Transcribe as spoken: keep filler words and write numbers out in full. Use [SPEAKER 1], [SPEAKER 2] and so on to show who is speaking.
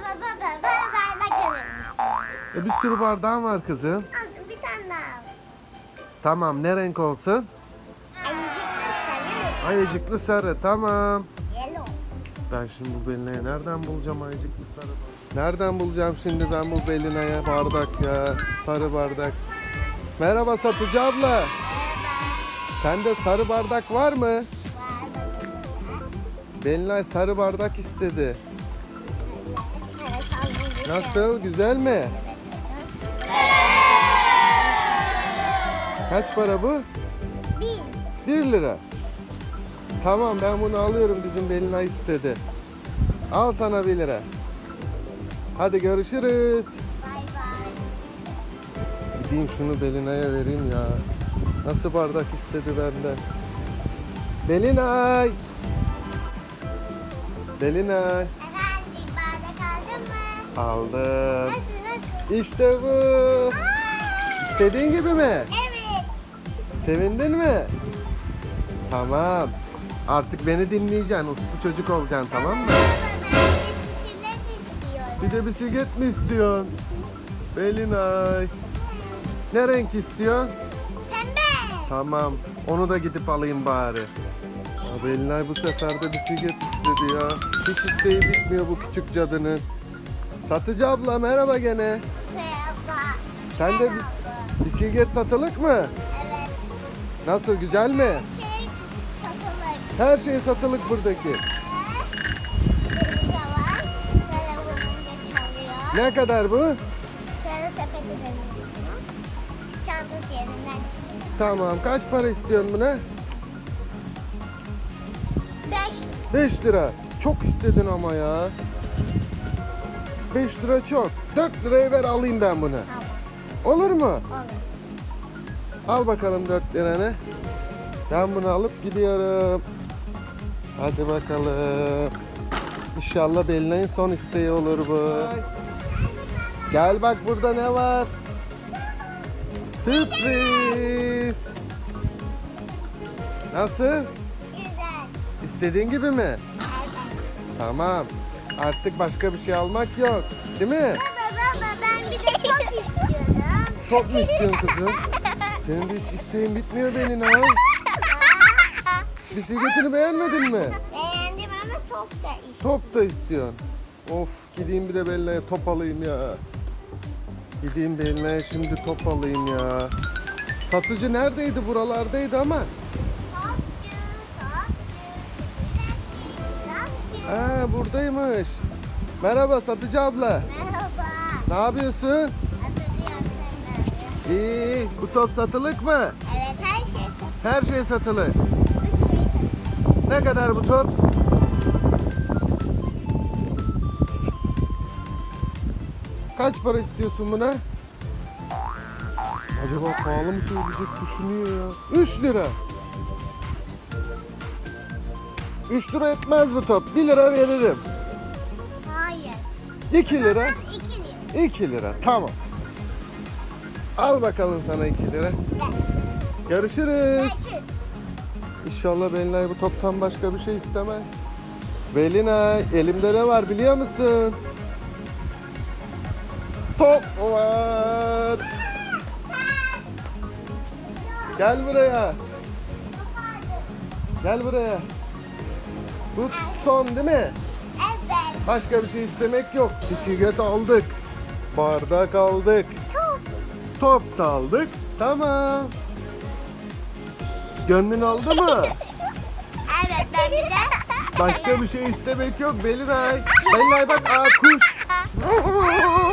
[SPEAKER 1] baba baba bana bardak alır mısın?
[SPEAKER 2] E bir sürü bardağın var kızım.
[SPEAKER 1] Olsun bir tane daha al.
[SPEAKER 2] Tamam, ne renk olsun?
[SPEAKER 1] Ayıcıklı sarı.
[SPEAKER 2] Ayıcıklı sarı, tamam.
[SPEAKER 1] Yellow.
[SPEAKER 2] Ben şimdi bu Belina'ya nereden bulacağım ayıcıklı sarı bardak? Nereden bulacağım şimdi ben bu Belina'ya bardak ya? Sarı bardak. Merhaba satıcı abla.
[SPEAKER 1] Merhaba.
[SPEAKER 2] Sende sarı bardak var mı?
[SPEAKER 1] Var
[SPEAKER 2] Belina sarı bardak istedi.
[SPEAKER 1] Evet aldım.
[SPEAKER 2] Nasıl? Güzel mi? Kaç para bu?
[SPEAKER 1] Bir.
[SPEAKER 2] bir lira. Tamam, ben bunu alıyorum, bizim Belina istedi. Al sana bir lira. Hadi görüşürüz.
[SPEAKER 1] Bay bay.
[SPEAKER 2] Gideyim şunu Belina'ya vereyim ya. Nasıl bardak istedi benden? Belina! Belina!
[SPEAKER 1] Efendim bardak aldın mı?
[SPEAKER 2] Aldım.
[SPEAKER 1] Nasıl nasıl?
[SPEAKER 2] İşte bu. İstediğin gibi mi?
[SPEAKER 1] Evet.
[SPEAKER 2] Sevindin mi? Tamam. Artık beni dinleyeceksin. Uslu çocuk olacaksın, tamam mı?
[SPEAKER 1] Baba ben de bisiklet istiyorum.
[SPEAKER 2] Bir de bisiklet mi istiyorsun? Belinay. Ne renk istiyorsun?
[SPEAKER 1] Pembe.
[SPEAKER 2] Tamam. Onu da gidip alayım bari. Ya Belinay bu sefer de bisiklet istedi ya. Hiç isteği bitmiyor bu küçük cadının. Satıcı abla merhaba gene.
[SPEAKER 1] Merhaba.
[SPEAKER 2] Sen de
[SPEAKER 1] Merhaba.
[SPEAKER 2] bisiklet satılık mı?
[SPEAKER 1] Evet.
[SPEAKER 2] Nasıl, güzel mi?
[SPEAKER 1] Şey satılık.
[SPEAKER 2] Her şey satılık buradaki.
[SPEAKER 1] Burada var. Telefonum da çalıyor.
[SPEAKER 2] Ne kadar bu?
[SPEAKER 1] Şöyle sepeti dönüyor. Çantası yerinden çıkıyor.
[SPEAKER 2] Tamam. Kaç para istiyorsun buna?
[SPEAKER 1] Beş.
[SPEAKER 2] beş lira. Çok istedin ama ya. beş lira çok. dört liraya ver alayım ben bunu.
[SPEAKER 1] Tamam.
[SPEAKER 2] Olur mu?
[SPEAKER 1] Olur.
[SPEAKER 2] Al bakalım dört liranı. Ben bunu alıp gidiyorum. Hadi bakalım. İnşallah Belina'nın son isteği olur bu. Gel bak burada ne var? Sürpriz. Nasıl?
[SPEAKER 1] Güzel.
[SPEAKER 2] İstediğin gibi mi?
[SPEAKER 1] Evet.
[SPEAKER 2] Tamam. Artık başka bir şey almak yok. Değil mi?
[SPEAKER 1] Baba baba ben bir de top istiyordum.
[SPEAKER 2] Top mu istiyorsun kızım? Senin de hiç isteğin bitmiyor Belina. Bisikletini beğenmedin mi?
[SPEAKER 1] Beğendim ama top da istiyorum.
[SPEAKER 2] Top da istiyorsun. Of, gideyim bir de Belina'ya top alayım ya. Gideyim Belina'ya şimdi top alayım ya. Satıcı neredeydi? Buralardaydı ama.
[SPEAKER 1] Topçu, topçu. Topçu.
[SPEAKER 2] Ha, buradaymış. Merhaba satıcı abla.
[SPEAKER 1] Merhaba.
[SPEAKER 2] Ne yapıyorsun?
[SPEAKER 1] Hatırlıyorum senden.
[SPEAKER 2] İyi. Bu top satılık mı?
[SPEAKER 1] Evet her şey satılık.
[SPEAKER 2] Her şey satılık.
[SPEAKER 1] Üç şey satılık.
[SPEAKER 2] Ne kadar bu top? Kaç para istiyorsun buna? Acaba pahalı mı söyleyecek, düşünüyor ya. üç lira. üç lira etmez bu top. bir lira veririm.
[SPEAKER 1] Hayır.
[SPEAKER 2] iki lira.
[SPEAKER 1] iki lira.
[SPEAKER 2] iki lira. Tamam. Al bakalım sana iki lira. Görüşürüz.
[SPEAKER 1] Kaçın.
[SPEAKER 2] İnşallah Belinay bu toptan başka bir şey istemez. Belinay, elimde ne var biliyor musun? Top var. Gel buraya. Gel buraya. Bu son değil mi?
[SPEAKER 1] Evet.
[SPEAKER 2] Başka bir şey istemek yok. Bisiklet aldık. Bardak aldık.
[SPEAKER 1] Top.
[SPEAKER 2] Top da aldık. Tamam. Gönlün oldu mu?
[SPEAKER 1] Evet ben bir de.
[SPEAKER 2] Başka bir şey istemek yok Belinay. Belinay bak, aa kuş.